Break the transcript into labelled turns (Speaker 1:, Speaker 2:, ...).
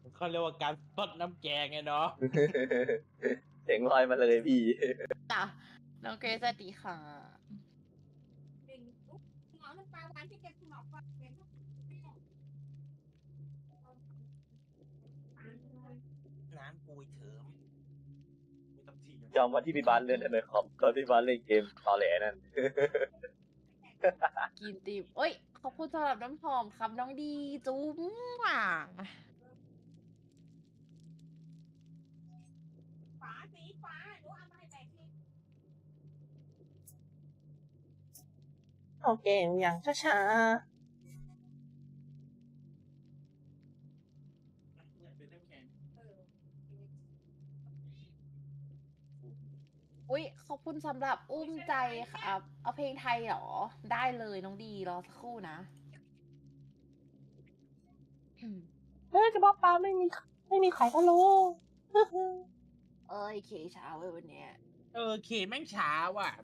Speaker 1: เขาเรียกว่าการซดน้ำแกงไงเนาะ
Speaker 2: เสียงลอยมาเลยพี่
Speaker 3: จ้ะน้องเกรซสวัสดีค่ะ
Speaker 4: เป็นลูกหมอน้ำปลาหวานที่เก็บหมอกก่อนเป็นลูก
Speaker 1: น้ำปุยเถิมไม่ต้องที
Speaker 2: จำวันที่พี่บ้านเล่นในคอมตอนพี่บ้านเล่นเกมตอแหลนั่น
Speaker 3: กินติมเอ้ย ขอบคุณสำหรับน้ำหอมครับน้องดีจุ๊มอ่ะ
Speaker 4: ฝาสีฟ้าหนูเอามาให้แบกที่
Speaker 5: เอาเก่งอย่างช้า
Speaker 4: เออ
Speaker 3: อุ้ยขอบคุณสำหรับอุ้มใจครับ เอาเพลงไทยเหรอ ได้เลยน้องดีรอสักครู่นะ
Speaker 5: ๆเฮ้ยจะบอกปลาไม่มีไข่พะโล้
Speaker 3: เอ้ยเคเช้าเว้ยวันเนี้ย
Speaker 1: เคแม่งช้าว่ะ